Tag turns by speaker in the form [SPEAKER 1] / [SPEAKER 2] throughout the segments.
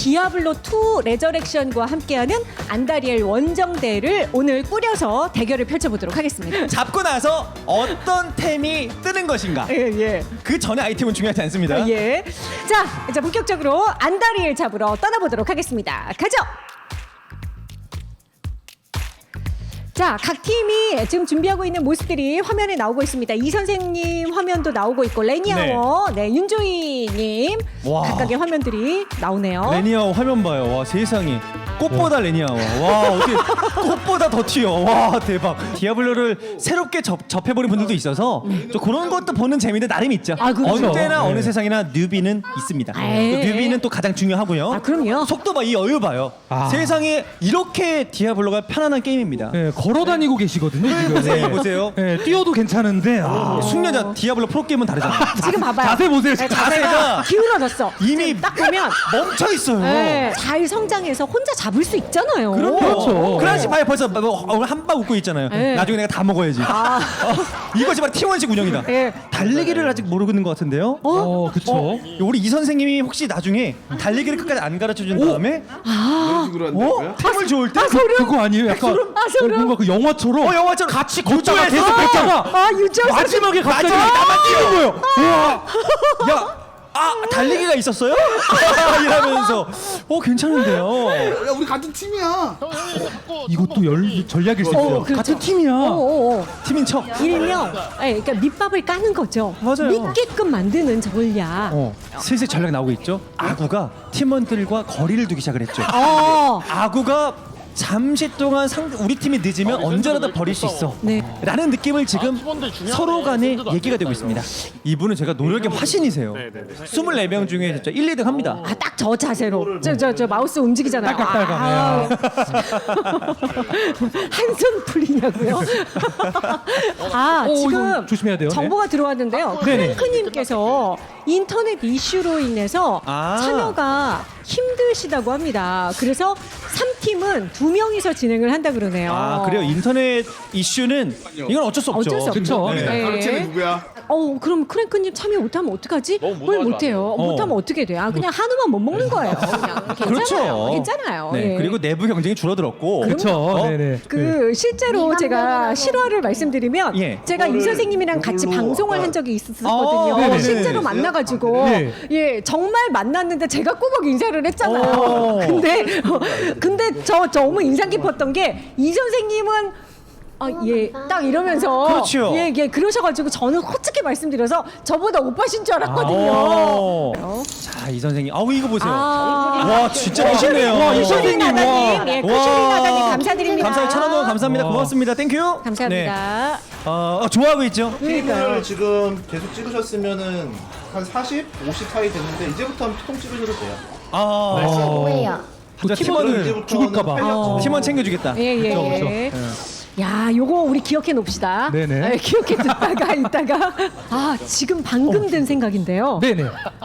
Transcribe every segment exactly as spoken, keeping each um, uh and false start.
[SPEAKER 1] 디아블로 투 레저렉션과 함께하는 안다리엘 원정대를 오늘 꾸려서 대결을 펼쳐보도록 하겠습니다.
[SPEAKER 2] 잡고 나서 어떤 템이 뜨는 것인가?
[SPEAKER 1] 예, 예.
[SPEAKER 2] 그 전에 아이템은 중요하지 않습니다.
[SPEAKER 1] 예. 자, 이제 본격적으로 안다리엘 잡으러 떠나보도록 하겠습니다. 가죠. 자, 각 팀이 지금 준비하고 있는 모습들이 화면에 나오고 있습니다. 이 선생님 화면도 나오고 있고 레니아워, 네, 네 윤조이님
[SPEAKER 2] 와.
[SPEAKER 1] 각각의 화면들이 나오네요.
[SPEAKER 2] 레니아워 화면 봐요. 와, 세상에. 꽃보다 레니아워. 와, 어떻게 꽃보다 더 튀어. 와, 대박. 디아블로를 새롭게 접, 접해보는 분들도 있어서 좀 그런 것도 보는 재미는 나름 있죠.
[SPEAKER 1] 아, 그렇죠.
[SPEAKER 2] 언제나
[SPEAKER 3] 네.
[SPEAKER 2] 어느 세상이나 뉴비는 있습니다.
[SPEAKER 1] 에이.
[SPEAKER 2] 또 뉴비는 또 가장 중요하고요.
[SPEAKER 1] 아, 그럼요.
[SPEAKER 2] 속도 봐, 이 여유 봐요.
[SPEAKER 3] 아.
[SPEAKER 2] 세상에 이렇게 디아블로가 편안한 게임입니다.
[SPEAKER 3] 네, 걸어다니고 계시거든요 지금.
[SPEAKER 2] 보세요, 보세요.
[SPEAKER 3] 네, 뛰어도 괜찮은데 아,
[SPEAKER 2] 숙련자 디아블로 프로게임은 다르잖아요.
[SPEAKER 1] 지금 봐봐요.
[SPEAKER 3] 자세 보세요.
[SPEAKER 1] 네,
[SPEAKER 3] 지금.
[SPEAKER 2] 자세가
[SPEAKER 1] 기울어졌어.
[SPEAKER 2] 이미
[SPEAKER 1] 지금 딱 보면
[SPEAKER 2] 멈춰 있어요.
[SPEAKER 1] 네, 잘 성장해서 혼자 잡을 수 있잖아요.
[SPEAKER 3] 그렇죠.
[SPEAKER 2] 그렇지, 봐요. 벌써 한방 웃고 있잖아요.
[SPEAKER 1] 네.
[SPEAKER 2] 나중에 내가 다 먹어야지.
[SPEAKER 1] 아.
[SPEAKER 2] 어, 이것이 바로 티원식 운영이다.
[SPEAKER 1] 네.
[SPEAKER 2] 달리기를 아직 모르고 있는 것 같은데요.
[SPEAKER 1] 어?
[SPEAKER 3] 어, 그쵸.
[SPEAKER 2] 우리 이 선생님이 혹시 나중에 달리기를 끝까지 안 가르쳐 준 다음에
[SPEAKER 4] 이런 식으로 한다고요?
[SPEAKER 2] 어? 템을 좋을 때
[SPEAKER 1] 아, 소름.
[SPEAKER 3] 그거 아니에요? 약간
[SPEAKER 1] 아, 소름.
[SPEAKER 3] 뭔가 그 영화처럼
[SPEAKER 2] 어, 영화처럼
[SPEAKER 3] 같이 걷다가
[SPEAKER 2] 유저에서
[SPEAKER 3] 계속 걷다가
[SPEAKER 1] 아, 유지할 수
[SPEAKER 3] 마지막에 갑자기
[SPEAKER 2] 마지막에 나만 뛰는
[SPEAKER 3] 거예요. 우와.
[SPEAKER 2] 야, 아, 달리기가 있었어요? 이러면서 어, 괜찮은데요.
[SPEAKER 4] 야 우리 같은 팀이야.
[SPEAKER 3] 이것도 열, 전략일 수 있어요.
[SPEAKER 1] 어, 그렇죠.
[SPEAKER 3] 같은 팀이야.
[SPEAKER 1] 어, 어.
[SPEAKER 2] 팀인 척.
[SPEAKER 1] 일명, 네, 그러니까 밑밥을 까는 거죠.
[SPEAKER 2] 맞아요.
[SPEAKER 1] 믿게끔 만드는 전략.
[SPEAKER 2] 어, 슬슬 전략 나오고 있죠. 아구가 팀원들과 거리를 두기 시작을 했죠.
[SPEAKER 1] 어.
[SPEAKER 2] 아구가 잠시 동안 상, 우리 팀이 늦으면 언제라도 버릴 수 있어.
[SPEAKER 1] 네.
[SPEAKER 2] 라는 느낌을 지금 서로 간에 얘기가 되고 있습니다. 이분은 제가 노력의 화신이세요. 이십사 명 중에 진짜 일, 이 등 합니다.
[SPEAKER 1] 아, 딱 저 자세로. 저, 저, 저 마우스 움직이잖아요.
[SPEAKER 3] 딸깍딸깍.
[SPEAKER 1] 한손 풀리냐고요? 아,
[SPEAKER 3] 오,
[SPEAKER 1] 지금
[SPEAKER 3] 이건 조심해야 돼요.
[SPEAKER 1] 정보가 들어왔는데요.
[SPEAKER 3] 네네.
[SPEAKER 1] 크랭크님께서 인터넷 이슈로 인해서
[SPEAKER 2] 아.
[SPEAKER 1] 참여가 힘드시다고 합니다. 그래서 삼 팀은 두 명이서 진행을 한다 그러네요.
[SPEAKER 2] 아, 그래요. 인터넷 이슈는 이건 어쩔 수 없죠.
[SPEAKER 1] 어쩔 수 없죠.
[SPEAKER 3] 그쵸.
[SPEAKER 1] 네.
[SPEAKER 4] 가르치는 누구야?
[SPEAKER 1] 어, 그럼 크랭크님 참여 못하면 어떡하지? 뭘 못해요?
[SPEAKER 2] 어.
[SPEAKER 1] 못하면 어떻게 돼요? 아, 그냥 한우만 못 먹는 거예요. 그냥 괜찮아요.
[SPEAKER 2] 그렇죠.
[SPEAKER 1] 괜찮아요.
[SPEAKER 2] 네,
[SPEAKER 1] 예.
[SPEAKER 2] 그리고 내부 경쟁이 줄어들었고.
[SPEAKER 3] 그쵸.
[SPEAKER 2] 어?
[SPEAKER 3] 네네.
[SPEAKER 1] 그 실제로 제가 실화를 말씀드리면
[SPEAKER 2] 예.
[SPEAKER 1] 제가 이 선생님이랑 같이
[SPEAKER 4] 이걸로
[SPEAKER 1] 방송을
[SPEAKER 4] 아까-
[SPEAKER 1] 한 적이
[SPEAKER 2] 어,
[SPEAKER 1] 있었거든요.
[SPEAKER 2] 네네.
[SPEAKER 1] 실제로 만나가지고
[SPEAKER 3] 네.
[SPEAKER 1] 예 정말 만났는데 제가 꼬박 인사를 했잖아요.
[SPEAKER 2] 어.
[SPEAKER 1] 근데 어, 근데 저 너무 인상 깊었던 게 이 선생님은 아, 예, 딱 이러면서
[SPEAKER 2] 그렇죠.
[SPEAKER 1] 예, 예, 그러셔가지고 저는 솔직히 말씀드려서 저보다 오빠신 줄 알았거든요.
[SPEAKER 2] 어.
[SPEAKER 1] 어?
[SPEAKER 2] 자, 이 선생님. 아우, 이거 보세요.
[SPEAKER 1] 아.
[SPEAKER 2] 와, 진짜 멋있네요.
[SPEAKER 3] 와, 이
[SPEAKER 1] 쿠슈리
[SPEAKER 3] 선생님, 와.
[SPEAKER 1] 나다님, 예, 쿠슈리 나다님 감사드립니다.
[SPEAKER 2] 감사합니다. 천원 감사합니다.
[SPEAKER 3] 와.
[SPEAKER 2] 고맙습니다. 땡큐.
[SPEAKER 1] 감사합니다.
[SPEAKER 2] 네. 어, 어, 좋아하고 있죠.
[SPEAKER 4] 팀을 지금 계속 찍으셨으면은 한 사십, 오십 사이 됐는데 이제부터 피통 찍으셔도 돼요.
[SPEAKER 2] 아,
[SPEAKER 1] 뭐예요?
[SPEAKER 2] 또 팀원을
[SPEAKER 4] 이제부터는
[SPEAKER 3] 죽을까봐.
[SPEAKER 4] 활력
[SPEAKER 1] 어.
[SPEAKER 2] 팀원 챙겨주겠다.
[SPEAKER 1] 예, 예,
[SPEAKER 3] 그쵸, 그쵸.
[SPEAKER 1] 예. 야, 요거 우리 기억해 놓읍시다.
[SPEAKER 3] 네네.
[SPEAKER 1] 네, 기억해 뒀다가 있다가 아, 지금 방금 든 생각인데요.
[SPEAKER 3] 네네.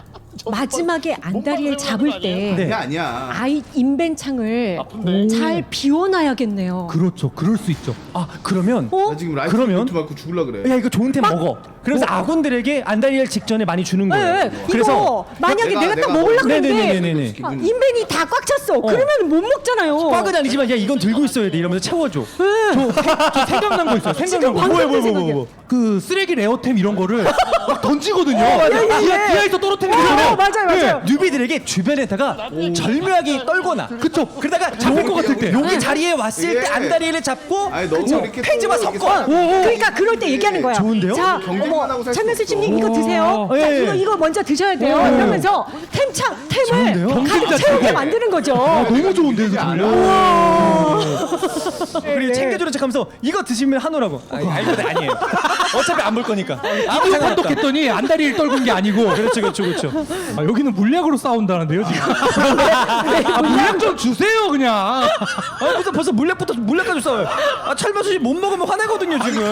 [SPEAKER 1] 마지막에 안다리엘 잡을 때
[SPEAKER 2] 네.
[SPEAKER 4] 그게 아니야.
[SPEAKER 1] 아이 인벤창을 잘 비워놔야겠네요.
[SPEAKER 3] 그렇죠. 그럴 수 있죠.
[SPEAKER 2] 아, 그러면
[SPEAKER 1] 어?
[SPEAKER 4] 나 지금 라이프
[SPEAKER 2] 그러면?
[SPEAKER 4] 트 맞고 죽을라 그래.
[SPEAKER 2] 야, 이거 좋은 템 먹어. 그래서 아군들에게 안달리엘 직전에 많이 주는
[SPEAKER 1] 네,
[SPEAKER 2] 거예요.
[SPEAKER 1] 네. 이거 만약에
[SPEAKER 4] 내가-
[SPEAKER 1] 내가, 딱
[SPEAKER 4] 내가
[SPEAKER 1] 먹으려고
[SPEAKER 4] 먹-
[SPEAKER 1] 했는데
[SPEAKER 2] 네네네네네.
[SPEAKER 1] 아, 인벤이 다 꽉 찼어. 그러면 못 먹잖아요.
[SPEAKER 2] 꽉은 아니지만 야, 이건 들고 있어야 돼 이러면서 채워줘.
[SPEAKER 1] 네.
[SPEAKER 3] 저 생각난 거 있어요. 생각난 거.
[SPEAKER 1] 방금
[SPEAKER 3] 뭐야,
[SPEAKER 1] 든
[SPEAKER 3] 뭐야, 뭐야,
[SPEAKER 1] 생각이야.
[SPEAKER 3] 뭐야. 그 쓰레기 레어템 이런 거를 막 던지거든요.
[SPEAKER 1] 예, 예.
[SPEAKER 3] 디아, 디아에서 떨어뜨리기
[SPEAKER 1] 어,
[SPEAKER 3] 전에.
[SPEAKER 1] 맞아요,
[SPEAKER 3] 네.
[SPEAKER 1] 맞아요.
[SPEAKER 2] 뉴비들에게 주변에다가 절묘하게 떨거나.
[SPEAKER 3] 그쵸.
[SPEAKER 2] 그러다가
[SPEAKER 3] 잡힐 것 같을 때.
[SPEAKER 2] 여기 자리에 왔을 때
[SPEAKER 4] 예.
[SPEAKER 2] 안다리엘을 잡고
[SPEAKER 4] 아니 너무
[SPEAKER 2] 그쵸?
[SPEAKER 4] 이렇게
[SPEAKER 2] 페이지와
[SPEAKER 4] 또 이렇게
[SPEAKER 2] 섞어.
[SPEAKER 4] 사-
[SPEAKER 1] 그러니까 그럴 때 얘기하는 거야.
[SPEAKER 2] 좋은데요?
[SPEAKER 1] 자,
[SPEAKER 4] 경쟁만
[SPEAKER 1] 어머,
[SPEAKER 4] 하고 살수
[SPEAKER 1] 장면수
[SPEAKER 4] 없어.
[SPEAKER 1] 씨님 이거 드세요.
[SPEAKER 2] 오.
[SPEAKER 1] 자,
[SPEAKER 2] 예.
[SPEAKER 1] 이거 이거 먼저 드셔야 돼요.
[SPEAKER 2] 오.
[SPEAKER 1] 이러면서 템창
[SPEAKER 2] 좋은데요?
[SPEAKER 1] 템을 가득
[SPEAKER 3] 경쟁자
[SPEAKER 1] 채우게
[SPEAKER 3] 주고.
[SPEAKER 1] 만드는 거죠.
[SPEAKER 3] 아, 너무 좋은데 이거 전략.
[SPEAKER 2] 그리고
[SPEAKER 1] 네.
[SPEAKER 2] 챙겨주는 척하면서 이거 드시면 한우라고. 아니, 알거든 아니에요. 어차피 안 볼 거니까. 아무
[SPEAKER 3] 이거
[SPEAKER 2] 상관없다.
[SPEAKER 3] 판독했더니 안다리를 떨군 게 아니고.
[SPEAKER 2] 그렇죠, 그렇죠, 그렇죠.
[SPEAKER 3] 아, 여기는 물약으로 싸운다는데요 지금. 아, 물약 좀 주세요 그냥.
[SPEAKER 2] 아, 벌써 벌써 물약부터 물약까지 싸워요. 아, 철면수 못 먹으면 화내거든요 지금.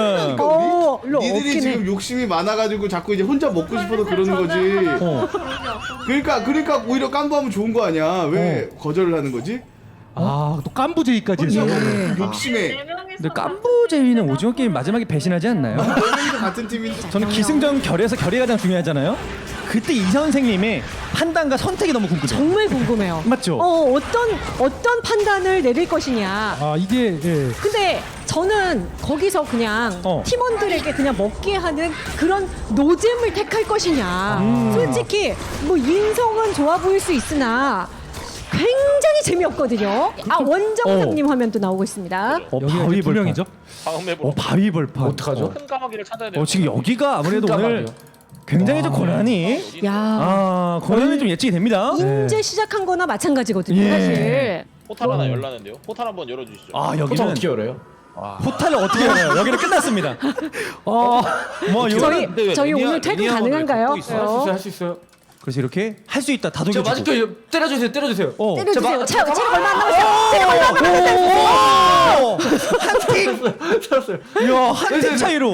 [SPEAKER 1] 어, 로
[SPEAKER 4] 니들이
[SPEAKER 1] 없긴
[SPEAKER 4] 지금
[SPEAKER 1] 해.
[SPEAKER 4] 욕심이 많아가지고 자꾸 이제 혼자 먹고 싶어서 그러는 거지.
[SPEAKER 2] 어.
[SPEAKER 4] 그러니까 그러니까 오히려 깜부하면 좋은 거 아니야. 왜 거절을 하는 거지?
[SPEAKER 3] 아, 또 깐부제이까지 해서.
[SPEAKER 4] 욕심에.
[SPEAKER 2] 근데 깐부제이는 오징어 게임 마지막에 배신하지 않나요?
[SPEAKER 4] 너희도 같은 팀인데.
[SPEAKER 2] 저는 기승전 결에서 결이 가장 중요하잖아요. 그때 이 선생님의 판단과 선택이 너무 궁금해요.
[SPEAKER 1] 정말 궁금해요.
[SPEAKER 2] 맞죠?
[SPEAKER 1] 어, 어떤 어떤 판단을 내릴 것이냐.
[SPEAKER 3] 아 이게 예.
[SPEAKER 1] 근데 저는 거기서 그냥
[SPEAKER 2] 어.
[SPEAKER 1] 팀원들에게 그냥 먹게 하는 그런 노잼을 택할 것이냐.
[SPEAKER 2] 음.
[SPEAKER 1] 솔직히 뭐 인성은 좋아 보일 수 있으나 굉장히 재미없거든요. 아 원정상님 화면도 나오고 있습니다.
[SPEAKER 2] 어,
[SPEAKER 3] 여기가
[SPEAKER 2] 바위
[SPEAKER 3] 이제 두
[SPEAKER 2] 벌판.
[SPEAKER 3] 명이죠.
[SPEAKER 5] 다음 맵으로
[SPEAKER 2] 어, 바위 벌판.
[SPEAKER 6] 어떡하죠?
[SPEAKER 5] 큰 까마귀를 찾아야 돼요.
[SPEAKER 2] 어, 지금 여기가 아무래도
[SPEAKER 6] 큰
[SPEAKER 2] 오늘
[SPEAKER 6] 까마귀요.
[SPEAKER 2] 굉장히 좀 고난이
[SPEAKER 1] 야
[SPEAKER 2] 아 고난이 좀 예측이 됩니다.
[SPEAKER 1] 인제 시작한 거나 마찬가지거든요.
[SPEAKER 2] 예.
[SPEAKER 1] 사실.
[SPEAKER 5] 포탈 하나 열라는데요. 포탈 한번 열어주시죠.
[SPEAKER 2] 아
[SPEAKER 6] 포탈
[SPEAKER 2] 여기는
[SPEAKER 6] 어떻게 열어요?
[SPEAKER 2] 포탈을 어떻게 열어요? 여기는 끝났습니다. 어, 뭐
[SPEAKER 1] 저희
[SPEAKER 2] 이거는
[SPEAKER 5] 근데 왜
[SPEAKER 1] 저희
[SPEAKER 5] 리니아-
[SPEAKER 1] 오늘 퇴근
[SPEAKER 5] 리니아몬을
[SPEAKER 1] 가능한가요?
[SPEAKER 5] 갖고 있어요?
[SPEAKER 6] 할 수 있어요, 할 수 있어요.
[SPEAKER 2] 그래서 이렇게 할 수 있다
[SPEAKER 6] 저
[SPEAKER 2] 다독여주고.
[SPEAKER 6] 맛있게 때려주세요, 때려주세요.
[SPEAKER 2] 어.
[SPEAKER 1] 때려주세요.
[SPEAKER 6] 저 마-
[SPEAKER 1] 체- 체력 얼마 안 남았어요. 체력 얼마 안 남았어요.
[SPEAKER 2] 오! 한 팀.
[SPEAKER 6] 들었어요.
[SPEAKER 2] 이야 한팀 차이로.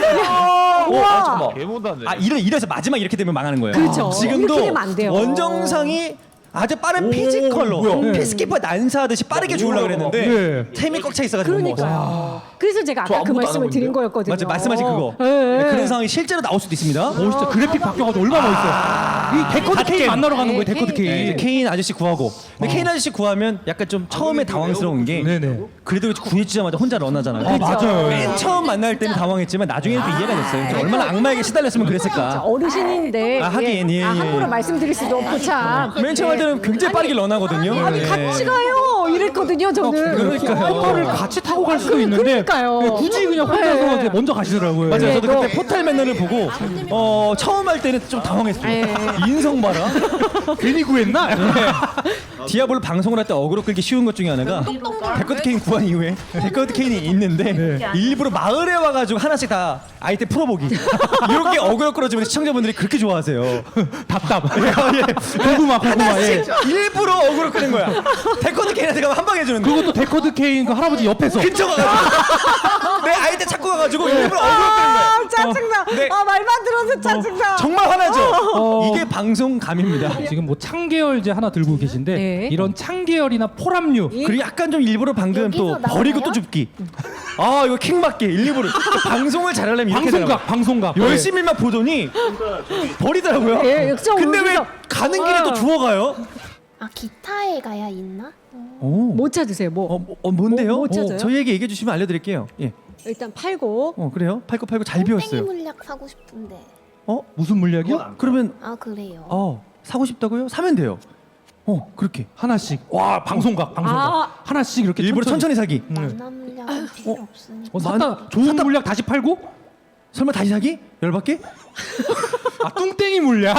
[SPEAKER 1] 우와.
[SPEAKER 6] 잠깐만.
[SPEAKER 5] 개못하네.
[SPEAKER 2] 아 이래 이래서 마지막 이렇게 되면 망하는 거예요.
[SPEAKER 1] 그렇죠.
[SPEAKER 2] 지금도
[SPEAKER 1] 이렇게 되면 안 돼요.
[SPEAKER 2] 원정상이 아주 빠른
[SPEAKER 6] 오,
[SPEAKER 2] 피지컬로
[SPEAKER 6] 뭐야?
[SPEAKER 2] 피스키퍼 난사하듯이 빠르게 죽으려 그랬는데
[SPEAKER 3] 네.
[SPEAKER 2] 템이 꽉 차 있어가지고
[SPEAKER 1] 그러니까요. 그래서 제가
[SPEAKER 6] 저
[SPEAKER 1] 아까 그
[SPEAKER 6] 아무것도 안
[SPEAKER 1] 말씀을
[SPEAKER 6] 하고
[SPEAKER 1] 드린
[SPEAKER 6] 있는데요?
[SPEAKER 1] 거였거든요.
[SPEAKER 2] 맞죠 말씀하신 그거.
[SPEAKER 1] 예, 예.
[SPEAKER 2] 네, 그런 상황이 실제로 나올 수도 있습니다.
[SPEAKER 3] 오 진짜 그래픽 바뀌어가지고 얼마나 멋있어요. 이 데코드
[SPEAKER 2] 갓
[SPEAKER 3] 케인
[SPEAKER 2] 게임.
[SPEAKER 3] 만나러 가는 거예요.
[SPEAKER 1] 네,
[SPEAKER 3] 데코드
[SPEAKER 1] 케인.
[SPEAKER 2] 네, 이제
[SPEAKER 3] 케인.
[SPEAKER 2] 케인 아저씨 구하고 근데 케인 아저씨 구하면 약간 좀 처음에 당황스러운 게
[SPEAKER 3] 네네.
[SPEAKER 2] 그래도 구해주자마자 혼자 런하잖아요.
[SPEAKER 3] 아 맞아요.
[SPEAKER 2] 맨 처음 만날 때는 당황했지만 나중에는 또 이해가 됐어요. 얼마나 악마에게 시달렸으면 그랬을까.
[SPEAKER 1] 어르신인데
[SPEAKER 2] 아, 하긴, 예,
[SPEAKER 1] 아,
[SPEAKER 2] 예.
[SPEAKER 1] 함부로 말씀드릴 수도 없고 참.
[SPEAKER 2] 맨 처음 할 때는 굉장히 빠르게 런하거든요.
[SPEAKER 1] 아니
[SPEAKER 2] 네.
[SPEAKER 1] 같이 가요 이랬거든요 저는.
[SPEAKER 2] 그러니까요.
[SPEAKER 3] 포탈을 같이 타고 갈 수도 있는데
[SPEAKER 1] 그러니까요.
[SPEAKER 3] 네, 굳이 그냥 혼자서
[SPEAKER 1] 네.
[SPEAKER 3] 이제 먼저 가시더라고요.
[SPEAKER 2] 맞아요.
[SPEAKER 1] 네,
[SPEAKER 2] 저도
[SPEAKER 1] 너-
[SPEAKER 2] 그때 포탈 매너를 보고 어, 처음 할 때는 좀 당황했어요.
[SPEAKER 1] 네.
[SPEAKER 2] 인성 봐라.
[SPEAKER 3] 괜히 구했나?
[SPEAKER 2] 디아블로 방송을 할 때 어그로 끌기 쉬운 것 중에 하나가 데커드 케인 구한 이후에 데커드 케인이 있는데 일부러 마을에 와가지고 하나씩 다 아이템 풀어보기 이렇게 어그로 끌어주면 시청자분들이 그렇게 좋아하세요.
[SPEAKER 3] 답답.
[SPEAKER 2] 예.
[SPEAKER 3] 고구마 고구마. 예.
[SPEAKER 2] 일부러 어그로 끄는 거야. 데커드 케인한테 가면 한 방 해주는데
[SPEAKER 3] 그리고 또 데코드 케인 그 할아버지 옆에서.
[SPEAKER 2] 근처 가가지고 내 아이템 찾고 가가지고 일부러 어그로 끄는 거야.
[SPEAKER 1] 아 짜증나.
[SPEAKER 2] 네.
[SPEAKER 1] 아 말만 들어도 짜증나.
[SPEAKER 2] 정말 화나죠.
[SPEAKER 3] 어.
[SPEAKER 2] 이게 방송감입니다.
[SPEAKER 3] 지금 뭐 창계열제 하나 들고 계신데
[SPEAKER 1] 네.
[SPEAKER 3] 이런 창계열이나 포람류
[SPEAKER 2] 그리고 약간 좀 일부러 방금 또
[SPEAKER 7] 여기서
[SPEAKER 2] 버리고
[SPEAKER 7] 나와요?
[SPEAKER 2] 또 줍기. 아 이거 킹받기 일부러 방송을 잘하려면 이렇게
[SPEAKER 3] 방송각 방송각.
[SPEAKER 2] 열심히만 보더니 버리더라고요.
[SPEAKER 1] 예, 역시
[SPEAKER 2] 근데 왜
[SPEAKER 1] 여기서-
[SPEAKER 2] 가는 길에 또 주워가요?
[SPEAKER 7] 아 기타에 가야 있나?
[SPEAKER 2] 오.
[SPEAKER 1] 못 찾으세요 뭐.
[SPEAKER 2] 어, 뭐- 어 뭔데요?
[SPEAKER 1] 뭐- 뭐 찾아요?
[SPEAKER 2] 어, 저희에게 얘기해 주시면 알려드릴게요. 예.
[SPEAKER 1] 일단 팔고.
[SPEAKER 2] 어 그래요? 팔고 팔고 잘
[SPEAKER 7] 땡이
[SPEAKER 2] 비웠어요.
[SPEAKER 7] 물약 사고 싶은데.
[SPEAKER 2] 어?
[SPEAKER 3] 무슨 물약이요?
[SPEAKER 2] 그러면
[SPEAKER 7] 아 그래요.
[SPEAKER 2] 어 사고 싶다고요? 사면 돼요. 어 그렇게
[SPEAKER 3] 하나씩. 와 방송각 방송각.
[SPEAKER 1] 아.
[SPEAKER 3] 하나씩 이렇게
[SPEAKER 2] 일부러 천천히, 사기.
[SPEAKER 7] 만화 물약은 필요 없으니까.
[SPEAKER 3] 어, 샀다 좋은 물약 다시 팔고?
[SPEAKER 2] 설마 다시 사기? 열받게?
[SPEAKER 3] 아 뚱땡이 물약.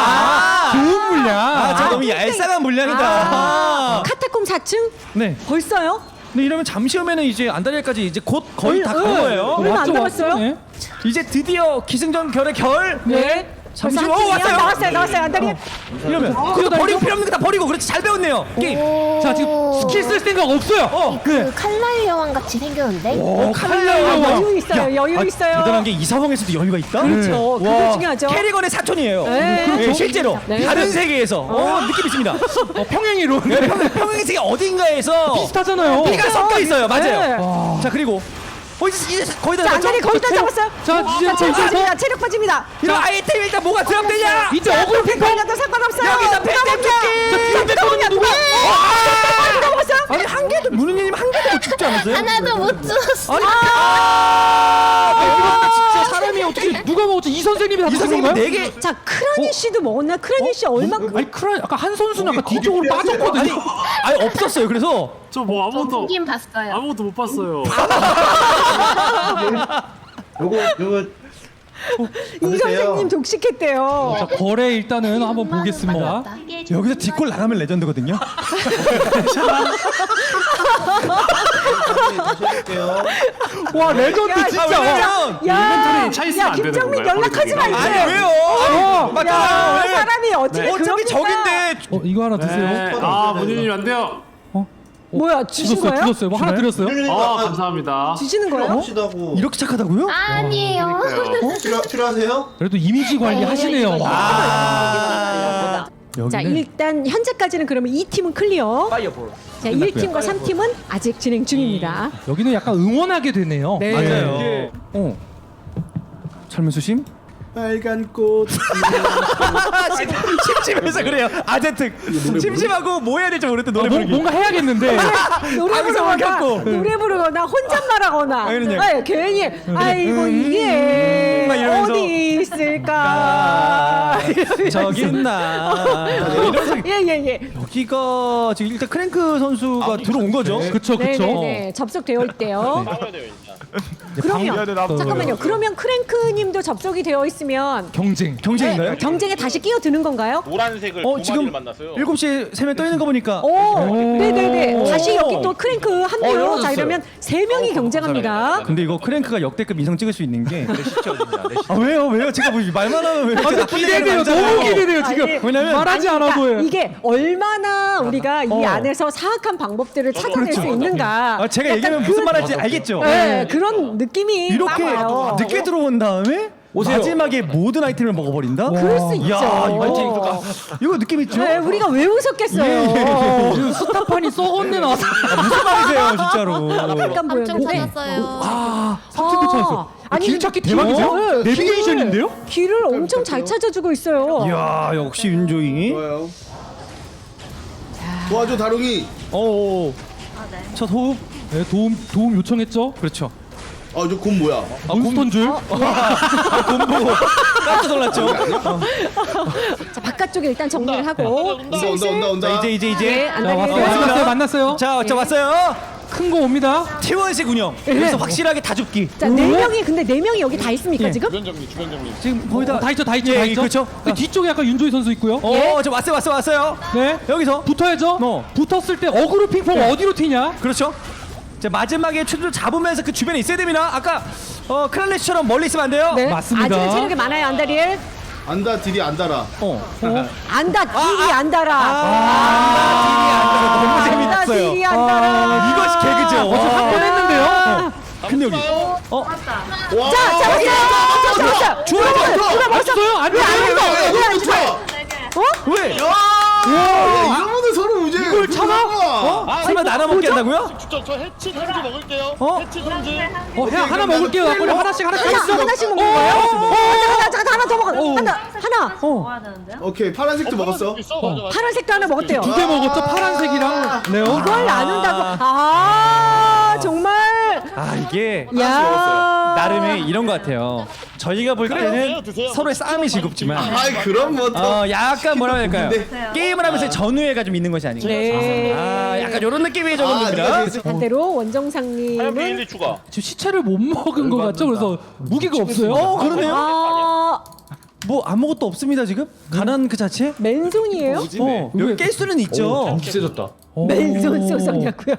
[SPEAKER 3] 아, 좋은 물약.
[SPEAKER 2] 아, 저 너무 얄쌍한 물량이다.
[SPEAKER 1] 아, 카타콤 사 층
[SPEAKER 2] 네.
[SPEAKER 1] 벌써요?
[SPEAKER 2] 근데 이러면 잠시 후면은 이제 안달리아까지 이제 곧 거의 다 간
[SPEAKER 1] 응,
[SPEAKER 2] 거예요.
[SPEAKER 1] 얼마 안
[SPEAKER 3] 왔죠,
[SPEAKER 1] 남았어요?
[SPEAKER 3] 왔죠? 네.
[SPEAKER 2] 이제 드디어 기승전 결의 결.
[SPEAKER 1] 네.
[SPEAKER 2] 잠시
[SPEAKER 1] 벌써
[SPEAKER 2] 후
[SPEAKER 1] 한
[SPEAKER 2] 어,
[SPEAKER 1] 팀이요?
[SPEAKER 2] 왔어요.
[SPEAKER 1] 나왔어요, 나왔어요. 안다리.
[SPEAKER 2] 이러면 그거 버리고 필요 없는 거 다 버리고 그렇지 잘 배웠네요. 게임.
[SPEAKER 3] 자 지금 스킬 쓸 생각 없어요.
[SPEAKER 2] 어.
[SPEAKER 7] 그 칼날 여왕 같이 생겼는데.
[SPEAKER 2] 오, 칼날
[SPEAKER 3] 여왕.
[SPEAKER 2] 여왕.
[SPEAKER 1] 여유 있어요, 여유 있어요.
[SPEAKER 2] 대단한 게 이 상황에서도 여유가 있다.
[SPEAKER 1] 그렇죠. 그거
[SPEAKER 2] 와,
[SPEAKER 1] 중요하죠.
[SPEAKER 2] 캐리건의 사촌이에요.
[SPEAKER 1] 네.
[SPEAKER 2] 예,
[SPEAKER 1] 그렇죠.
[SPEAKER 2] 실제로
[SPEAKER 1] 네.
[SPEAKER 2] 다른 세계에서 어, 느낌 있습니다.
[SPEAKER 3] 어, 평행이론.
[SPEAKER 2] 네, 평, 평행 세계 어딘가에서
[SPEAKER 3] 비슷하잖아요.
[SPEAKER 2] 피가 섞여 있어요. 맞아요.
[SPEAKER 1] 네.
[SPEAKER 2] 자 그리고 어, 이제, 이제 거의 다
[SPEAKER 1] 자,
[SPEAKER 2] 됐죠?
[SPEAKER 1] 안다리 거의 다 잡았어요.
[SPEAKER 3] 자, 이제
[SPEAKER 1] 자, 체력
[SPEAKER 3] 거기서-
[SPEAKER 1] 빠집니다. 체력 빠집니다.
[SPEAKER 2] 이런 아이템 일단 뭐가 드랍되냐?
[SPEAKER 3] 이제 어그로 핑퐁.
[SPEAKER 1] 걸려도 상관없어요.
[SPEAKER 2] 여기서 팬
[SPEAKER 1] 누가
[SPEAKER 2] 뜯기!
[SPEAKER 1] 먼저? 자, 누가 먼저? 누가? 누가 먹었어요?
[SPEAKER 2] 아니 한 개도 문우님 한 개도 못 죽지 않았어요?
[SPEAKER 7] 하나도 못 주웠어.
[SPEAKER 2] 아니 아,
[SPEAKER 3] 진짜 사람이 어떻게 누가 먹었지? 이 선생님이 다
[SPEAKER 2] 이
[SPEAKER 3] 드신
[SPEAKER 2] 선생님
[SPEAKER 3] 건가요?
[SPEAKER 2] 네 개.
[SPEAKER 1] 자, 크라니 씨도 먹었나? 크라니 씨 얼마큼?
[SPEAKER 3] 아니 크라 아까 한 선수는 아까 뒤쪽으로 빠졌거든요.
[SPEAKER 2] 아니 아니 없었어요. 그래서
[SPEAKER 8] 저 뭐 아무것도
[SPEAKER 7] 보긴 봤어요.
[SPEAKER 8] 아무것도 못 봤어요.
[SPEAKER 4] 요거 요거
[SPEAKER 1] 이
[SPEAKER 4] 받으세요.
[SPEAKER 1] 선생님 독식했대요.
[SPEAKER 3] 자, 거래 일단은 한번 보겠습니다.
[SPEAKER 2] 여기서 뒷골 나가면 레전드거든요.
[SPEAKER 4] 다시 해볼게요.
[SPEAKER 3] 와 레전드
[SPEAKER 1] 야,
[SPEAKER 3] 진짜.
[SPEAKER 2] 아,
[SPEAKER 3] 와.
[SPEAKER 2] 왜냐면
[SPEAKER 1] 야,
[SPEAKER 8] 인벤토리 차 있으면
[SPEAKER 1] 야,
[SPEAKER 8] 안 되는
[SPEAKER 1] 김정민
[SPEAKER 8] 건가요?
[SPEAKER 1] 연락하지 마
[SPEAKER 8] 거기
[SPEAKER 1] 이제.
[SPEAKER 2] 아니 왜요?
[SPEAKER 1] 야,
[SPEAKER 2] 맞잖아. 왜?
[SPEAKER 1] 사람이 어떻게
[SPEAKER 2] 어차피
[SPEAKER 1] 그럽니까?
[SPEAKER 2] 적인데
[SPEAKER 3] 어 이거 하나 드세요.
[SPEAKER 8] 네. 아 문희님 안 돼요.
[SPEAKER 1] 뭐야, 주신
[SPEAKER 3] 주셨어요,
[SPEAKER 1] 거예요?
[SPEAKER 3] 주셨어요. 뭐 하나 드렸어요.
[SPEAKER 8] 아 감사합니다.
[SPEAKER 1] 주시는 거예요?
[SPEAKER 4] 합시다고.
[SPEAKER 2] 이렇게 착하다고요?
[SPEAKER 7] 아니에요.
[SPEAKER 4] 필요 필요하세요?
[SPEAKER 3] 그래도 이미지 관리 하시네요.
[SPEAKER 2] 아.
[SPEAKER 1] 자,
[SPEAKER 2] 여기는
[SPEAKER 1] 일단 현재까지는 그러면 이 팀은 클리어.
[SPEAKER 6] 파이어볼.
[SPEAKER 1] 자, 일 팀과 삼 팀은 아직 진행 중입니다.
[SPEAKER 3] 여기는 약간 응원하게 되네요.
[SPEAKER 1] 네.
[SPEAKER 2] 맞아요. 어. 철문수심
[SPEAKER 4] 빨간 꽃.
[SPEAKER 2] 심심해서 그래요. 아재특. 심심하고 뭐 해야 될지 모르겠다 노래
[SPEAKER 3] 아, 뭐,
[SPEAKER 2] 부르기.
[SPEAKER 3] 뭔가 해야겠는데.
[SPEAKER 1] 노래
[SPEAKER 2] 방송
[SPEAKER 1] 부르거나
[SPEAKER 2] 켰고.
[SPEAKER 1] 노래 부르거나 혼잣말하거나
[SPEAKER 2] 아, 그러냐.
[SPEAKER 1] 아이, 괜히 아이고 이게
[SPEAKER 2] 막 이러면서.
[SPEAKER 1] 어디 있을까
[SPEAKER 2] 저기 있나. 이러면서
[SPEAKER 1] 예예예
[SPEAKER 2] 여기가 지금 일단 크랭크 선수가 들어온 거죠.
[SPEAKER 3] 그쵸 그쵸.
[SPEAKER 1] 네네네 접속되어 있대요.
[SPEAKER 5] 싸워야 돼요 일단.
[SPEAKER 1] 그러면 잠깐만요. 그러면 크랭크님도 접속이 되어 있으면
[SPEAKER 3] 경쟁.
[SPEAKER 2] 경쟁인가요?
[SPEAKER 1] 경쟁에 다시 끼어드는 건가요?
[SPEAKER 5] 노란색을
[SPEAKER 2] 어
[SPEAKER 5] 두
[SPEAKER 2] 지금
[SPEAKER 5] 마리를 만났어요.
[SPEAKER 2] 일곱 시에 세 명 떠 있는 거 보니까
[SPEAKER 1] 오, 네네네.
[SPEAKER 2] 오.
[SPEAKER 1] 다시 여기 또 크랭크 한
[SPEAKER 2] 어,
[SPEAKER 1] 명.
[SPEAKER 2] 열어줬어요.
[SPEAKER 1] 자 이러면 세 명이 경쟁합니다.
[SPEAKER 2] 근데 이거 크랭크가 역대급 이성 찍을 수 있는 게 아, 왜요 왜요 제가 뭐 말만 하면 왜
[SPEAKER 3] 아, 근데 기대돼요. 너무 기대돼요 지금.
[SPEAKER 1] 아니,
[SPEAKER 2] 왜냐면
[SPEAKER 3] 말하지
[SPEAKER 1] 아니,
[SPEAKER 3] 않아도
[SPEAKER 1] 그러니까
[SPEAKER 3] 해.
[SPEAKER 1] 이게 얼마나 우리가 이
[SPEAKER 2] 어.
[SPEAKER 1] 안에서 사악한 방법들을 찾아낼 수 있는가.
[SPEAKER 2] 아, 제가
[SPEAKER 1] 약간
[SPEAKER 2] 얘기하면
[SPEAKER 1] 그-
[SPEAKER 2] 무슨 말할지 알겠죠?
[SPEAKER 1] 네, 그런 느낌이
[SPEAKER 2] 이렇게
[SPEAKER 1] 나와요.
[SPEAKER 2] 늦게 들어온 다음에
[SPEAKER 6] 오세요.
[SPEAKER 2] 마지막에 모든 아이템을 먹어버린다?
[SPEAKER 1] 그럴 수 있죠.
[SPEAKER 2] 야, 이거, 이거 느낌 있죠?
[SPEAKER 1] 네, 우리가 왜 웃었겠어요.
[SPEAKER 2] 예,
[SPEAKER 3] 지금 스타판이 썩었네 나왔어.
[SPEAKER 2] 아, 무슨 말이세요 진짜로?
[SPEAKER 1] 약간
[SPEAKER 7] 삼촌
[SPEAKER 1] 보였는데.
[SPEAKER 7] 찾았어요.
[SPEAKER 3] 아, 삼촌도 찾았어.
[SPEAKER 1] 아니,
[SPEAKER 3] 길 찾기
[SPEAKER 1] 길-
[SPEAKER 3] 대박이세요?
[SPEAKER 1] 어, 네,
[SPEAKER 3] 내비게이션인데요?
[SPEAKER 1] 길을, 길을 엄청 잘 찾아주고 있어요.
[SPEAKER 2] 이야 역시 윤조이.
[SPEAKER 4] 좋아요. 도와줘 다롱이.
[SPEAKER 2] 어. 첫 호흡.
[SPEAKER 3] 네, 도움 도움 요청했죠.
[SPEAKER 2] 그렇죠.
[SPEAKER 4] 아 저 곰 뭐야?
[SPEAKER 3] 몬스터인 줄.
[SPEAKER 2] 본보고 깜짝 놀랐죠.
[SPEAKER 1] 자, 바깥쪽에 일단 정리를 하고.
[SPEAKER 5] 온다,
[SPEAKER 4] 온다 온다 온다 온다.
[SPEAKER 2] 자 이제 이제 이제.
[SPEAKER 1] 네,
[SPEAKER 3] 자,
[SPEAKER 1] 안다리에
[SPEAKER 3] 왔어요. 만났어요. 만났어요.
[SPEAKER 2] 자, 자 왔어요.
[SPEAKER 3] 큰 거 옵니다.
[SPEAKER 2] 티원식 운영. 여기서 확실하게 다 죽기.
[SPEAKER 1] 자, 네 명이 근데 네 명이 여기 다 있습니까
[SPEAKER 3] 예.
[SPEAKER 1] 지금?
[SPEAKER 5] 주변 정리, 주변 정리.
[SPEAKER 2] 지금 거의 다.
[SPEAKER 3] 어, 다 있죠, 다 있죠,
[SPEAKER 2] 예,
[SPEAKER 3] 다
[SPEAKER 2] 예,
[SPEAKER 3] 있죠.
[SPEAKER 2] 그렇죠.
[SPEAKER 3] 그 뒤쪽에 약간 윤조희 선수 있고요.
[SPEAKER 2] 어, 저 왔어요, 왔어요, 왔어요.
[SPEAKER 3] 네.
[SPEAKER 2] 여기서.
[SPEAKER 3] 붙어야죠.
[SPEAKER 2] 어.
[SPEAKER 3] 붙었을 때 어그로 핑퐁 어디로 튀냐?
[SPEAKER 2] 그렇죠. 자 마지막에 추를 잡으면서 그 주변에 있어야 됩니다. 아까 어 크랄레시처럼 멀리 있으면 안 돼요.
[SPEAKER 1] 네.
[SPEAKER 3] 맞습니다.
[SPEAKER 1] 아직은 체력이 많아요 안다리엘.
[SPEAKER 4] 안다 딜이 안 달아.
[SPEAKER 2] 어.
[SPEAKER 1] 안다 딜이 안 달아.
[SPEAKER 2] 아, 너무
[SPEAKER 1] 안다
[SPEAKER 2] 재밌었어요.
[SPEAKER 1] 딜이 안 달아.
[SPEAKER 2] 이것이 개그죠.
[SPEAKER 3] 어제 한 번 했는데요.
[SPEAKER 2] 근데 여기 어
[SPEAKER 4] 와.
[SPEAKER 1] 자, 잡았어요. 자, 잡았어요.
[SPEAKER 2] 죽어요.
[SPEAKER 3] 맞았어요? 안 돼.
[SPEAKER 4] 이거 좋아.
[SPEAKER 2] 왜?
[SPEAKER 4] 야, 이러면 서로 이제 이걸
[SPEAKER 3] 참아?
[SPEAKER 2] 어? 설마 나눠 먹게 한다고요?
[SPEAKER 5] 저, 저 해치 선지 먹을게요.
[SPEAKER 2] 어?
[SPEAKER 5] 해치 선지.
[SPEAKER 3] 어, 해, 하나 먹을게요. 나 빨리 하나씩 하나씩
[SPEAKER 1] 하나,
[SPEAKER 3] 하나씩.
[SPEAKER 1] 하나씩 먹는 거예요? 하나, 하나, 잠깐 하나 더 먹어. 하나, 하나.
[SPEAKER 3] 어.
[SPEAKER 4] 오케이 파란색도 먹었어.
[SPEAKER 5] 있어, 맞아, 맞아.
[SPEAKER 1] 파란색도 하나 먹었대요.
[SPEAKER 3] 두 개 먹었죠. 파란색이랑 네오.
[SPEAKER 1] 이걸 나눈다고. 아, 정말.
[SPEAKER 2] 아 이게
[SPEAKER 1] 야.
[SPEAKER 2] 나름의 이런 것 같아요. 저희가 볼 때는
[SPEAKER 5] 드세요, 드세요.
[SPEAKER 2] 서로의 싸움이 즐겁지만
[SPEAKER 4] 아이 그럼 뭐 더.
[SPEAKER 2] 어 약간 뭐라 해야 될까요?
[SPEAKER 4] 네.
[SPEAKER 2] 게임을 하면서 전우애가 좀 있는 것이 아닌가.
[SPEAKER 1] 네.
[SPEAKER 2] 아 약간 이런 느낌이
[SPEAKER 4] 아,
[SPEAKER 2] 조금 듭니다.
[SPEAKER 4] 네가
[SPEAKER 1] 반대로
[SPEAKER 5] 하얀
[SPEAKER 1] 원정상님은
[SPEAKER 5] 비닐리 추가.
[SPEAKER 3] 지금 시체를 못 먹은 것 같죠? 그래서 무기가 없어요.
[SPEAKER 2] 어 그러네요.
[SPEAKER 1] 아,
[SPEAKER 2] 뭐 아무것도 없습니다 지금. 가난 그 자체.
[SPEAKER 1] 맨손이에요?
[SPEAKER 2] 어 여기 깰 수는 있죠.
[SPEAKER 6] 세졌다.
[SPEAKER 1] 맨손 쏘서냐고요?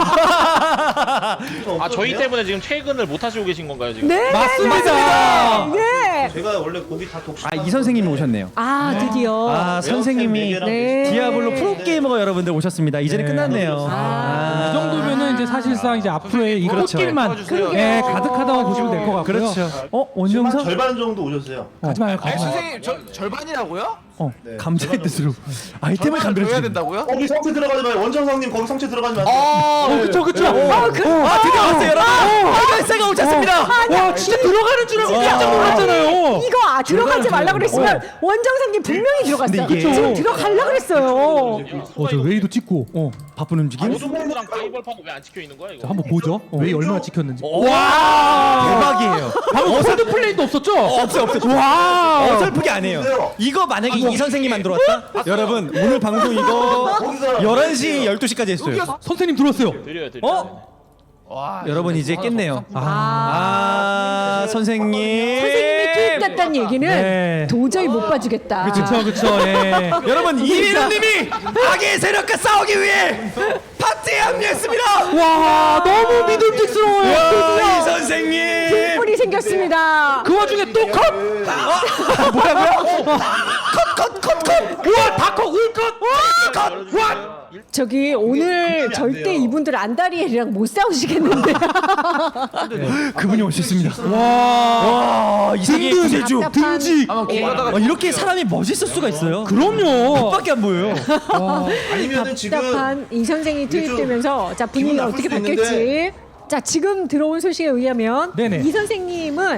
[SPEAKER 5] 아 저희 때문에 지금 퇴근을 못 하시고 계신 건가요 지금?
[SPEAKER 1] 네,
[SPEAKER 3] 맞습니다.
[SPEAKER 1] 네.
[SPEAKER 4] 제가 원래 고기 다 독식.
[SPEAKER 2] 아 이 선생님이 오셨네요.
[SPEAKER 1] 아, 드디어.
[SPEAKER 2] 아 선생님이
[SPEAKER 1] 네.
[SPEAKER 2] 디아블로 프로게이머가 여러분들 오셨습니다. 이제는
[SPEAKER 3] 네.
[SPEAKER 2] 끝났네요.
[SPEAKER 3] 이 정도면은 이제 사실상 이제 앞으로의 이
[SPEAKER 2] 그렇죠.
[SPEAKER 3] 꽃길만
[SPEAKER 1] 그러게요.
[SPEAKER 3] 예, 가득하다고 보시면 될 것 같고요.
[SPEAKER 2] 그렇죠. 어 원정상?
[SPEAKER 4] 절반 정도 오셨어요.
[SPEAKER 3] 가지 마요, 가지 마요.
[SPEAKER 9] 선생님 저 절반이라고요?
[SPEAKER 2] 어 감자의 뜻으로 아이템을
[SPEAKER 9] 줘야
[SPEAKER 2] 감별해
[SPEAKER 9] 된다고요?
[SPEAKER 4] 거기 성체 들어가지 마요. 원정상님 거기 성체 들어가지 마세요.
[SPEAKER 9] 아,
[SPEAKER 3] 어, 그쵸, 그쵸.
[SPEAKER 2] 아 드디어 왔어요 여러분. 빨간새가 오셨습니다.
[SPEAKER 3] 와, 진짜 들어가는 줄 알고 깜짝 놀랐잖아요.
[SPEAKER 1] 이거 아, 들어가지 말라 그랬으면
[SPEAKER 2] 어.
[SPEAKER 1] 원정상님 분명히 들어갔어요.
[SPEAKER 2] 근데 이게-
[SPEAKER 1] 지금 들어가려 그랬어요.
[SPEAKER 3] 어, 저 웨이도 찍고.
[SPEAKER 2] 어 바쁜 움직임.
[SPEAKER 5] 모두랑 가이벌파고 왜 안 찍혀 있는 거야 이거?
[SPEAKER 3] 자, 한번 보죠. 웨이 얼마나 찍혔는지.
[SPEAKER 2] 대박이에요.
[SPEAKER 3] 방금 홀드 플레이도 없었죠?
[SPEAKER 2] 없어 없어.
[SPEAKER 3] 와.
[SPEAKER 2] 어설프게 안 해요. 이거 만약에 이 선생님 안 들어왔다? 여러분 오늘 방송 이거 열한 시 열두 시까지 했어요.
[SPEAKER 3] 선생님 들어왔어요.
[SPEAKER 5] 드려요 드려.
[SPEAKER 2] 어?
[SPEAKER 9] 와,
[SPEAKER 2] 여러분 이제 깼네요.
[SPEAKER 3] 아.
[SPEAKER 2] 아 선생님.
[SPEAKER 1] 선생님이 투입됐다는 얘기는
[SPEAKER 3] 네.
[SPEAKER 1] 도저히 못 봐주겠다.
[SPEAKER 3] 그쵸, 그쵸. 예.
[SPEAKER 2] 여러분 이민호님이 악의 세력과 싸우기 위해 파티에 합류했습니다.
[SPEAKER 3] 와, 너무 믿음직스러워요.
[SPEAKER 2] 야, 이 선생님.
[SPEAKER 1] 뿔이 생겼습니다.
[SPEAKER 3] 그 와중에 또 컷!
[SPEAKER 2] 뭐라고요? 컷컷컷컷.
[SPEAKER 3] 우와, 다컷, 울컷! 컷! 와!
[SPEAKER 1] 저기 오늘 절대 이분들 안다리엘이랑 못 싸우시겠는데.
[SPEAKER 2] 그분이 오셨습니다.
[SPEAKER 3] 와.
[SPEAKER 2] 와, 이 세계 구세주.
[SPEAKER 1] 답답한-
[SPEAKER 3] 등직.
[SPEAKER 9] 아마 길 가다가
[SPEAKER 2] 어, 이렇게 사람이 멋있을 수가 있어요.
[SPEAKER 3] 그럼요.
[SPEAKER 2] 밖에 안 보여요.
[SPEAKER 4] 아니면은 지금
[SPEAKER 1] 답답한 이 선생이
[SPEAKER 4] 이게 좀
[SPEAKER 1] 투입되면서 자 분위기가
[SPEAKER 4] 기분 나쁠
[SPEAKER 1] 어떻게
[SPEAKER 4] 수도
[SPEAKER 1] 바뀔지. 자 지금 들어온 소식에 의하면
[SPEAKER 3] 네네.
[SPEAKER 1] 이 선생님은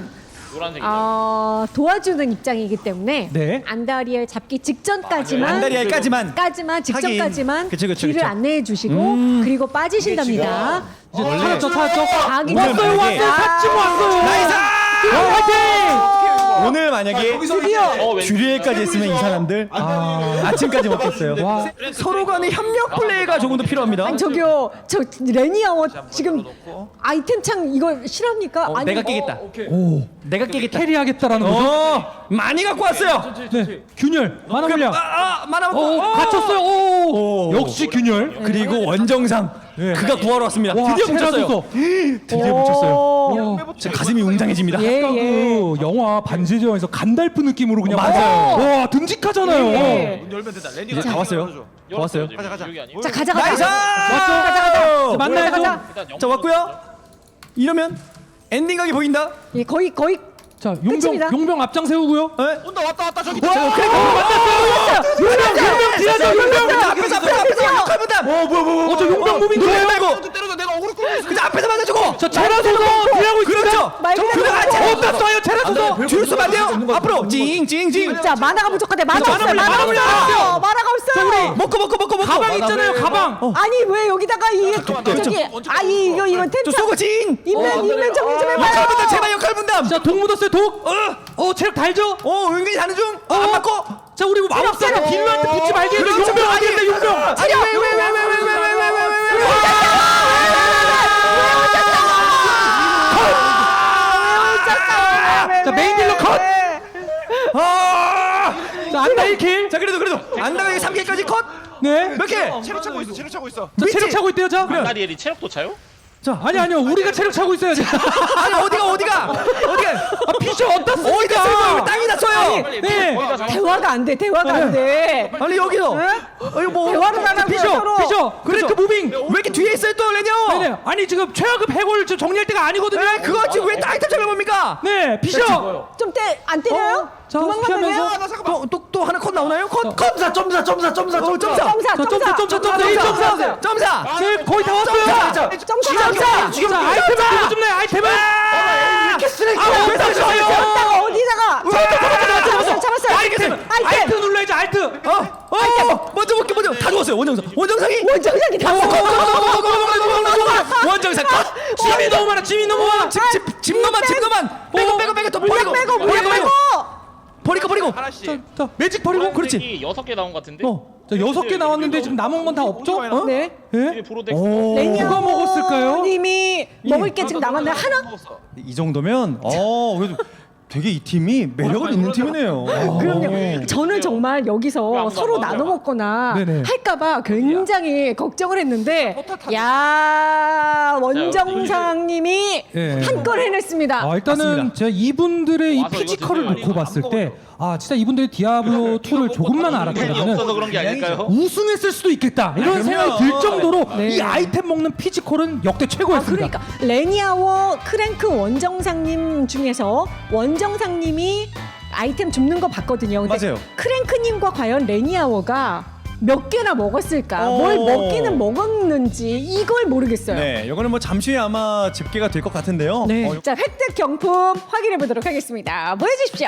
[SPEAKER 5] 노란색이죠.
[SPEAKER 1] 어, 도와주는 입장이기 때문에
[SPEAKER 2] 네.
[SPEAKER 1] 안다리엘 잡기 직전까지만
[SPEAKER 2] 안다리알까지만.
[SPEAKER 1] 까지만 직전까지만
[SPEAKER 2] 그쵸, 그쵸,
[SPEAKER 1] 길을
[SPEAKER 2] 그쵸.
[SPEAKER 1] 안내해 주시고
[SPEAKER 2] 음.
[SPEAKER 1] 그리고 빠지신답니다.
[SPEAKER 3] 이제 찾았죠, 찾았죠.
[SPEAKER 1] 자기
[SPEAKER 2] 오늘
[SPEAKER 3] 왔어요,
[SPEAKER 2] 만약에-
[SPEAKER 3] 왔어요. 삿짐 왔어요.
[SPEAKER 2] 나이스!
[SPEAKER 3] 화이팅!
[SPEAKER 2] 오늘 만약에
[SPEAKER 5] 어, 왠지-
[SPEAKER 2] 주례까지 했으면 이 사람들 아, 아침까지 먹겠어요.
[SPEAKER 3] 와.
[SPEAKER 2] 서로 간의 협력 플레이가 조금 더 필요합니다.
[SPEAKER 1] 아니 저기요 저 레니아워 지금 아이템 창 이거 실합니까?
[SPEAKER 2] 어,
[SPEAKER 1] 아니,
[SPEAKER 2] 내가 깨겠다.
[SPEAKER 3] 오,
[SPEAKER 2] 내가 깨겠다.
[SPEAKER 3] 캐리하겠다라는 거죠.
[SPEAKER 2] 어, 많이 갖고 왔어요.
[SPEAKER 3] 네, 균열, 만화 물량.
[SPEAKER 2] 아, 아, 많아
[SPEAKER 3] 오,
[SPEAKER 2] 먹고. 어.
[SPEAKER 3] 갇혔어요. 오,
[SPEAKER 2] 오.
[SPEAKER 3] 역시 균열.
[SPEAKER 2] 그리고 원정상
[SPEAKER 3] 네.
[SPEAKER 2] 그가 구하러 왔습니다.
[SPEAKER 3] 와,
[SPEAKER 2] 드디어 붙였어요.
[SPEAKER 3] 테라소서.
[SPEAKER 2] 드디어 붙였어요.
[SPEAKER 1] 오.
[SPEAKER 3] 와,
[SPEAKER 2] 제 가슴이 웅장해집니다.
[SPEAKER 1] 예,
[SPEAKER 3] 아까
[SPEAKER 1] 예.
[SPEAKER 3] 그 영화 반지의 제왕에서 간달프 느낌으로 그냥
[SPEAKER 2] 맞아요.
[SPEAKER 3] 와, 듬직하잖아요.
[SPEAKER 1] 예.
[SPEAKER 9] 문 열면 된다.
[SPEAKER 2] 이제
[SPEAKER 9] 랜디가
[SPEAKER 2] 다 왔어요. 다 왔어요.
[SPEAKER 5] 가자 가자. 여기 아니에요?
[SPEAKER 1] 자 가자 가자.
[SPEAKER 2] 나이스!
[SPEAKER 3] 왔어.
[SPEAKER 2] 가자 가자.
[SPEAKER 3] 만나야죠.
[SPEAKER 1] 가자.
[SPEAKER 5] 일단
[SPEAKER 2] 자 왔고요. 이러면 엔딩각이 보인다.
[SPEAKER 1] 예, 거의 거의
[SPEAKER 3] 자, 용병,
[SPEAKER 1] 끝입니다.
[SPEAKER 3] 용병 앞장 세우고요.
[SPEAKER 2] 네?
[SPEAKER 9] 온다 왔다 왔다 저기.
[SPEAKER 3] 와, 그래, 만났어요. 용병, 용병 뒤에서 용병.
[SPEAKER 2] 앞에서 앞에서 앞에서 역할분담. 어 뭐야 뭐야.
[SPEAKER 3] 어, 저 용병 무빙
[SPEAKER 2] 노래
[SPEAKER 3] 좋아요.
[SPEAKER 2] 말고.
[SPEAKER 9] 때려서 내가 어그로 끌고 있어.
[SPEAKER 2] 그냥 앞에서 맞아주고.
[SPEAKER 3] 저 체라소서 뒤하고 있습니다.
[SPEAKER 2] 그렇죠.
[SPEAKER 1] 말그대로
[SPEAKER 2] 그냥
[SPEAKER 1] 맞아.
[SPEAKER 2] 같이
[SPEAKER 3] 어, 땄어요, 체라소서.
[SPEAKER 2] 뒤로 쏘면 안 돼요. 앞으로 징징징.
[SPEAKER 1] 자 만화가 부족하대. 만화
[SPEAKER 3] 만화
[SPEAKER 1] 없어요.
[SPEAKER 3] 물량,
[SPEAKER 1] 만화
[SPEAKER 3] 만화 물량.
[SPEAKER 1] 없어요. 만화가 없어요.
[SPEAKER 2] 먹고 먹고 먹고 먹고.
[SPEAKER 3] 가방 있잖아요, 가방.
[SPEAKER 1] 아니 왜 여기다가 이 저기 아이 이거 이건
[SPEAKER 2] 저
[SPEAKER 1] 텐트
[SPEAKER 2] 쏘고 징.
[SPEAKER 1] 인면 인면 정리 좀 해봐요.
[SPEAKER 2] 역할분담 제발 역할분담.
[SPEAKER 3] 자, 독 묻었어요, 독. 어, 어, 체력 달죠?
[SPEAKER 2] 어 은근히 자는 중. 어, 안 맞고.
[SPEAKER 3] 자, 우리 마법사는 빌런한테 붙지 말겠는데
[SPEAKER 2] 그렇죠.
[SPEAKER 3] 용병 어디인데 용병?
[SPEAKER 2] 아니 왜 왜 왜 왜 왜 왜 왜 왜 왜 왜
[SPEAKER 3] 자, 메인 딜러 컷.
[SPEAKER 2] 아!
[SPEAKER 3] 자, 안다 일 킬.
[SPEAKER 2] 자 그래도 그래도 안다가 삼 킬까지 컷.
[SPEAKER 3] 네.
[SPEAKER 2] 몇 킬?
[SPEAKER 9] 체력 차고 있어. 체력 차고 있어.
[SPEAKER 3] 자, 체력 차고 있대요, 자.
[SPEAKER 5] 안다리엘이 체력도 차요?
[SPEAKER 3] 자, 아니 아니요, 우리가 체력 차고 있어야지.
[SPEAKER 2] 아니 어디가 어디가 어디가
[SPEAKER 3] 아, 피셔 어디다
[SPEAKER 2] 어디가
[SPEAKER 3] 씁니까?
[SPEAKER 2] 쓰고 왜 땅이 다쳐요?
[SPEAKER 3] 네.
[SPEAKER 1] 대화가 안 돼. 대화가 안 돼.
[SPEAKER 2] 아니 여기서
[SPEAKER 1] 네?
[SPEAKER 2] 어, 이거 뭐
[SPEAKER 1] 대화를 안 하고요,
[SPEAKER 3] 피셔,
[SPEAKER 1] 서로.
[SPEAKER 3] 피셔. 크랭크 무빙.
[SPEAKER 2] 왜 이렇게 뒤에 있어요 또 레뇨?
[SPEAKER 3] 네네. 아니 지금 최하급 해골 지금 정리할 때가 아니거든요.
[SPEAKER 2] 네, 그거 지금 왜 아이템 장을 봅니까?
[SPEAKER 3] 네, 피셔.
[SPEAKER 1] 좀 때 안 때려요?
[SPEAKER 3] 자,
[SPEAKER 1] 도망만
[SPEAKER 3] 피하면서.
[SPEAKER 1] 다녀요?
[SPEAKER 2] 또또 또 하나 컷 나오나요? 컷 컷.
[SPEAKER 6] 점사 점사 점사 점사
[SPEAKER 2] 어, 점사.
[SPEAKER 1] 점사
[SPEAKER 3] 자, 점사, 점사, 점사,
[SPEAKER 1] 점사
[SPEAKER 3] 점사.
[SPEAKER 2] 점사.
[SPEAKER 3] 네, 거의 다 왔어요.
[SPEAKER 2] 점사.
[SPEAKER 3] 자,
[SPEAKER 1] 점사
[SPEAKER 3] 자, 아이템을 누구 좀 내요, 아이템을.
[SPEAKER 2] 이렇게 쓰레기.
[SPEAKER 3] 아, 왜 다쳐요?
[SPEAKER 1] 어디다가 어디다가 잡았어요 잡았어요
[SPEAKER 3] 아이템,
[SPEAKER 1] 아이템
[SPEAKER 3] 알트 눌러야지, 알트.
[SPEAKER 2] 어, 어, 먼저 볼게 먼저 다 죽었어요 원정상. 원정상이.
[SPEAKER 1] 원정상이 다
[SPEAKER 2] 원정상 컷.
[SPEAKER 3] 짐이 너무 많아, 짐이 너무 많아.
[SPEAKER 2] 집집 집너만 집너만. 빼고 빼고 빼고 또 버리고
[SPEAKER 1] 빼고
[SPEAKER 2] 버리고
[SPEAKER 1] 빼고
[SPEAKER 2] 버리고 버리고.
[SPEAKER 9] 하나씩.
[SPEAKER 3] 자, 자, 매직 버리고.
[SPEAKER 2] 그렇지.
[SPEAKER 5] 여섯 개 나온 것 같은데.
[SPEAKER 2] 어.
[SPEAKER 3] 자, 여섯 개 나왔는데 지금 남은 건 다 없죠? 어?
[SPEAKER 1] 네
[SPEAKER 3] 예?
[SPEAKER 5] 브로덱스.
[SPEAKER 2] 오.
[SPEAKER 3] 누가 먹었을까요?
[SPEAKER 1] 님이 먹을 게 지금 남았나요? 하나?
[SPEAKER 2] 이 정도면 어 그래도 되게 이 팀이 매력은 있는 팀이네요.
[SPEAKER 1] 그럼요. 저는 정말 여기서 서로 나눠 먹거나
[SPEAKER 3] 네네.
[SPEAKER 1] 할까봐 굉장히 걱정을 했는데, 야 원정상님이
[SPEAKER 3] 예.
[SPEAKER 1] 한 건 해냈습니다.
[SPEAKER 3] 아, 일단은
[SPEAKER 2] 맞습니다.
[SPEAKER 3] 제가 이분들의 이
[SPEAKER 5] 와서
[SPEAKER 3] 피지컬을
[SPEAKER 5] 이거
[SPEAKER 3] 놓고 봤을 때, 아 진짜 이분들이 디아블로 이를 조금만
[SPEAKER 5] 팬이
[SPEAKER 3] 알았다면
[SPEAKER 5] 없어서 그런 게 아닐까요?
[SPEAKER 3] 우승했을 수도 있겠다 이런 생각이 들 정도로
[SPEAKER 1] 네.
[SPEAKER 3] 이 아이템 먹는 피지컬은 역대
[SPEAKER 1] 아,
[SPEAKER 3] 최고였습니다.
[SPEAKER 1] 그러니까 레니아워 크랭크 원정상님 중에서 원정상님이 아이템 줍는 거 봤거든요. 근데
[SPEAKER 2] 맞아요.
[SPEAKER 1] 크랭크님과 과연 레니아워가 몇 개나 먹었을까?
[SPEAKER 2] 어.
[SPEAKER 1] 뭘 먹기는 먹었는지 이걸 모르겠어요.
[SPEAKER 2] 네, 이거는 뭐 잠시 후에 아마 집계가 될 것 같은데요.
[SPEAKER 1] 네.
[SPEAKER 2] 어,
[SPEAKER 1] 자, 획득 경품 확인해 보도록 하겠습니다. 보여주십시오.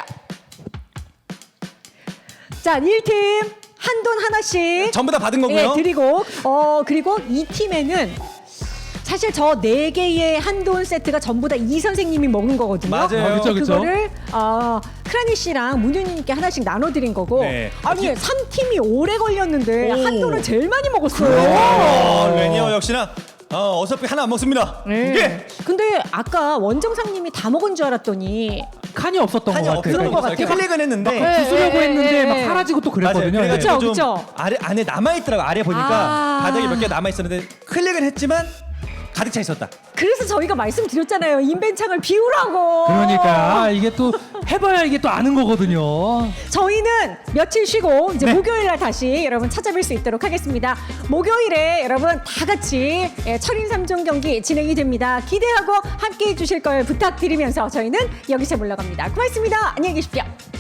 [SPEAKER 1] 자, 일 팀 한돈 하나씩
[SPEAKER 2] 전부 다 받은 거고요.
[SPEAKER 1] 예, 드리고 어 그리고 이 팀에는 사실 저 네 개의 한돈 세트가 전부 다 이 선생님이 먹은 거거든요.
[SPEAKER 2] 맞아요.
[SPEAKER 3] 아, 그쵸, 그쵸.
[SPEAKER 1] 그거를 어, 크라니 씨랑 문유님께 하나씩 나눠드린 거고.
[SPEAKER 2] 네.
[SPEAKER 1] 아니 삼 팀이 오래 걸렸는데
[SPEAKER 2] 오.
[SPEAKER 1] 한돈을 제일 많이 먹었어요.
[SPEAKER 2] 어, 레니어 역시나 어, 어차피 하나 안 먹습니다.
[SPEAKER 1] 네.
[SPEAKER 2] 두 개.
[SPEAKER 1] 근데 아까 원정상님이 다 먹은 줄 알았더니
[SPEAKER 3] 칸이 없었던
[SPEAKER 2] 한이
[SPEAKER 3] 것
[SPEAKER 2] 없는
[SPEAKER 3] 같아요.
[SPEAKER 2] 것
[SPEAKER 1] 같아요.
[SPEAKER 2] 같아요. 클릭은 했는데
[SPEAKER 1] 네.
[SPEAKER 3] 부수려고
[SPEAKER 1] 예,
[SPEAKER 3] 했는데
[SPEAKER 1] 예,
[SPEAKER 3] 막
[SPEAKER 1] 예.
[SPEAKER 3] 사라지고 또 그랬거든요.
[SPEAKER 2] 맞아요.
[SPEAKER 3] 네.
[SPEAKER 2] 그래가지고
[SPEAKER 1] 그쵸,
[SPEAKER 2] 좀
[SPEAKER 1] 그쵸.
[SPEAKER 2] 아래 안에 남아 있더라고. 아래 보니까
[SPEAKER 1] 아.
[SPEAKER 2] 바닥에 몇 개 남아 있었는데 클릭을 했지만 가득 차 있었다.
[SPEAKER 1] 그래서 저희가 말씀드렸잖아요. 인벤창을 비우라고.
[SPEAKER 3] 그러니까 이게 또 해봐야 이게 또 아는 거거든요.
[SPEAKER 1] 저희는 며칠 쉬고 이제
[SPEAKER 2] 네.
[SPEAKER 1] 목요일 날 다시 여러분 찾아뵐 수 있도록 하겠습니다. 목요일에 여러분 다 같이 예, 철인 삼 종 경기 진행이 됩니다. 기대하고 함께 해주실 걸 부탁드리면서 저희는 여기서 물러갑니다. 고맙습니다. 안녕히 계십시오.